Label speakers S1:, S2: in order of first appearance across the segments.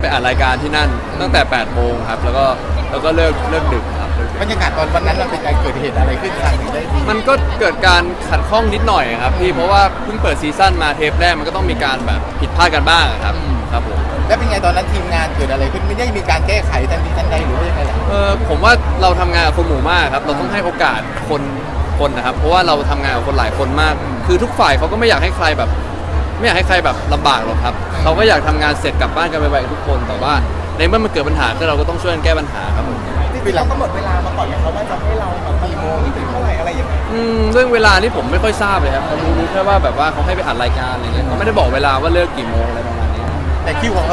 S1: อัดรายการที่นั่นตั้งแต่8 โมงครับแล้วก็เลิกดึกครับ
S2: บรรยากาศตอนวันนั้นมันเป็นการเกิดเหตุอะไรขึ้นทางถึงได้
S1: มันก็เกิดการขัดข้องนิดหน่อยครับพี่เพราะว่าเพิ่งเปิดซีซั่นมาเทปแรกมันก็ต้องมีการแบบผิดพลาดกันบ้างครับผม
S2: แล้วเป็นไงตอนนั้นทีมงานเกิดอะไรขึ้นไม่ได้มีการแก้ไขทันทีทันใดหรือว่ายังไงล่ะ
S1: ผมว่าเราทำงานกับคนหมู่มากครับเราต้องให้โอกาสคนนะครับเพราะว่าเราทำงานกับคนหลายคนมากคือทุกฝ่ายเขาก็ไม่อยากให้ใครแบบลำบากหรอกครับเขาก็อยากทำงานเสร็จกลับบ้านกันไวๆทุกคนแต่ว่าในเมื่อมันเกิดปัญหาก็เราก็ต้องช่วยกันแก้ปัญหาครับผม
S2: ที่เราก็หมดเวลามาก่อนเขาว่าจะให้เรากี่โมงถึงเท่าไหร่อะไรอย่างเงี้ย
S1: เรื่องเวลานี่ผมไม่ค่อยทราบเลยครับผมรู้แค่ว่าแบบว่าเขาให้ไปอัดรายการอะไรเงี้ยเขาไม่ได้บอกเวลาว่าเลิกกี่โมงอะไรประมาณนี้
S2: แต่คิวของเรา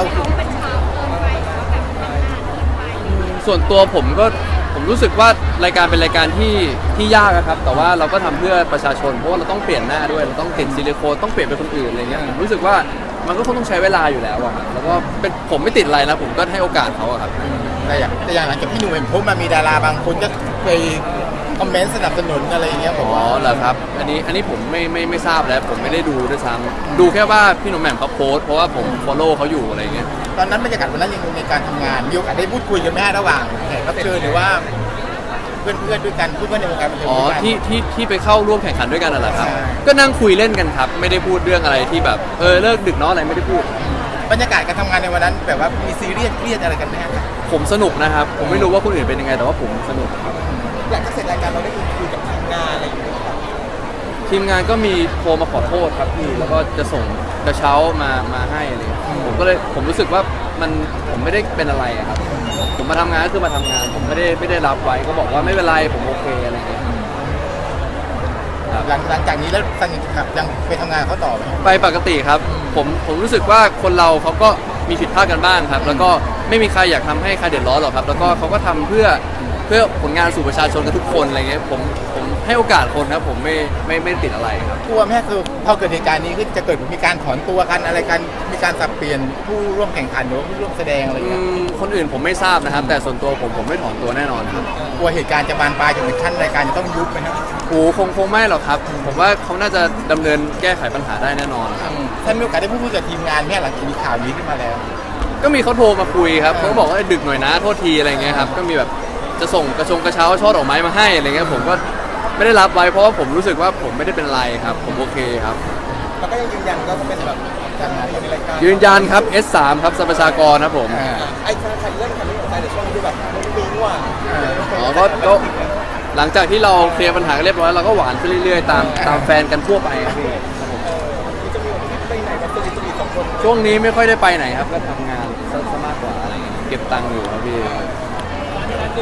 S1: ส่วนตัวผมรู้สึกว่ารายการเป็นรายการที่ยากครับแต่ว่าเราก็ทำเพื่อประชาชนเพราะว่าเราต้องเปลี่ยนหน้าด้วยเราต้องติดซิลิโคนต้องเปลี่ยนเป็นคนอื่นอะไรเงี้ยผมรู้สึกว่ามันก็คงต้องใช้เวลาอยู่แล้วอะครับแล้วก็ผมไม่ติดอะไรนะผมก็ให้โอกาสเขาอะครับ
S2: แต่อย่างหลังจากพี่หนุ่มเห็นโพสต์มามีดาราบางคนก็เคยคอมเมนต์สนับสนุนอะไรอย่างเงี้ยผม
S1: เหรอครับอันนี้ผมไม่ทราบแล้วผมไม่ได้ดูด้วยซ้ำดูแค่ว่าพี่หนุ่มแหม่มเขาโพสต์เพราะว่าผม follow เขาอยู่อะไรเงี้ย
S2: ตอนนั้นบรรยากาศวันนั้นยังในการทำงานมีโอกาสได้พูดคุยกันแม่ระหว่างแขกรับเชิญหรือว่าเพื่อนด้วยกันเพื่อนในวงการบันเทิง
S1: ที่ไปเข้าร่วมแข่งขันด้วยกันน่ะเหรอครับก็นั่งคุยเล่นกันครับไม่ได้พูดเรื่องอะไรที่แบบเลิกดึกเนาะอะไรไม่ได้พูด
S2: บรรยากาศการทำงานในวันนั้นแบบว่ามีซีเรียสเครียดอะไรกันไหมครับ
S1: ผมสนุกนะครับผมไม่รู้ว่าคนอื่นเป็นยังไงแต่ว่าผมสนุกครับ
S2: หลังจากเสร็จรายการเราได้คุยกับทีมงานอะไรอย่างเงี้ย
S1: ทีมงานก็มีโทรมาขอโทษครับพี่แล้วก็จะส่งกระเช้ามาให้อะไรผมรู้สึกว่าผมไม่ได้เป็นอะไรครับผมมาทำงานก็คือมาทำงานผมไม่ได้รับไว้ก็บอกว่าไม่เป็นไรผมโอเคอะไรเงี้ย
S2: หลังจากนี้แล้วสนิทครับยังไปทำงานเขาต่อไหม
S1: ไปปกติครับผมรู้สึกว่าคนเราเขาก็มีผิดพลาดกันบ้างครับแล้วก็ไม่มีใครอยากทำให้ใครเดือดร้อนหรอกครับแล้วก็เขาก็ทำเพื่อผลงานสู่ประชาชนกันทุกคนอะไรเงี้ยผมให้โอกาสคนครับผมไม่ติดอะไรครับ
S2: กลัวแม่คือพอเกิดเหตุการณ์นี้ขึ้นจะเกิดมีการถอนตัวกันอะไรกันมีการสับเปลี่ยนผู้ร่วมแข่งขันหรือผู้ร่วมแสดงอะไรเงี้ย
S1: คนอื่นผมไม่ทราบนะครับแต่ส่วนตัวผมไม่ถอนตัวแน่นอนครับ
S2: กลัวเหตุการณ์จะบานปลายจนถึงขั้นรายการจะต้องยุบไหมครับ
S1: คงไม่หรอกครับผมว่าเขาน่าจะดำเนินแก้ไขปัญหาได้แน่นอนครับ
S2: ท่านมีโอกาสได้พูดคุยกับทีมงานแม่หลังจากมีข่าวนี้ขึ้นมาแล้ว
S1: ก็มีเขาโทรมาคุยครับเขาบอกว่าดึกหน่อยนะโทษทีอะไรเงี้ยครับก็มีแบบจะส่งกระเช้าช่อดอกไม้มาให้อะไรเงี้ยผมก็ไม่ได้รับไว้เพราะว่าผมรู้สึกว่าผมไม่ได้เป็นอะไรครับผมโอเคครับ
S2: แล้วก็ยังยืนยันก็จะเป็นแบบการงานในรายการ
S1: ยืนยันครับ S3 ครับสรรพชากรครับผม
S2: ไอ้การเรื่องคันนี้ของใจแต่ช่วงนี้แบบมันมีว่า
S1: ก็หลังจากที่เราเคลียร์ปัญหากันเรียบร้อยเราก็หวานขึ้นเรื่อยๆตามแฟนกันทั่วไปครับพี่
S2: จะมีไปไหนกันจะมี2 คน
S1: ช่วงนี้ไม่ค่อยได้ไปไหนครับก็ทำงานซะมากกว่าอะไรเก็บตังค์อยู่ครับพี่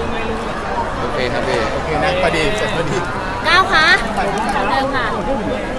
S1: โอเคครับพี่
S2: โอเคนะพอดีเสร็จพอดี
S3: ก้าวคะเดิมค่ะ